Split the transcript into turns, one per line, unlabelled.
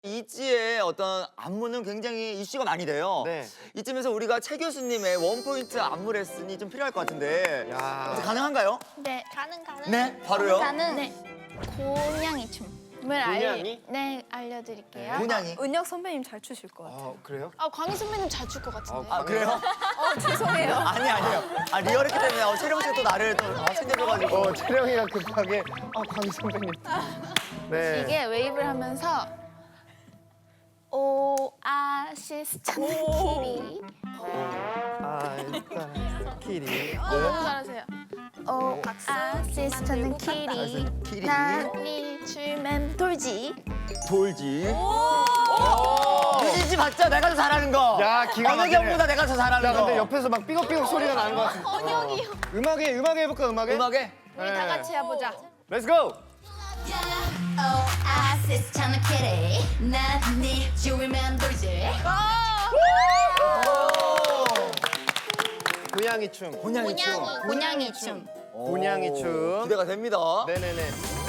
이지의 어떤 안무는 굉장히 이슈가 많이 돼요.
네.
이쯤에서 우리가 최 교수님의 원포인트 안무 레슨이 좀 필요할 것 같은데
야.
가능한가요?
네.
가능.
네, 바로요.
일단은 네. 고냥이 춤을
고냥이?
알려드릴게요.
곤양이.
은혁 선배님 잘 추실 것 같아요.
그래요?
아 광희 선배님 잘 출 것 같은데.
아 그래요?
죄송해요.
아니에요. 아 리얼했기 때문에 채령 씨가 또 나를 또 챙겨줘가지고.
채령이가 급하게 광희 선배님. 네.
이게 웨이브를 하면서 오아시스 찾는 길이
일단 키리.
너무 잘하세요. 오아시스 찾는 길이
키리.
난이 줄면 돌지.
돌지. 유진씨 봤죠? 내가 더 잘하는 거.
야, 기가
어느
막히네.
경보다 내가 더 잘하는
야,
거.
근데 옆에서 막 삐걱삐걱 소리가 나는 것 같은데.
번역이요.
음악에 해볼까, 음악에?
음악에?
우리 다 같이 해보자.
Let's go!
오아시스 찾는 길이 난네 주위만 돌지
고양이 춤.
곤양이 춤.
곤양이 춤.
곤양이 춤.
기대가 됩니다.
네네네.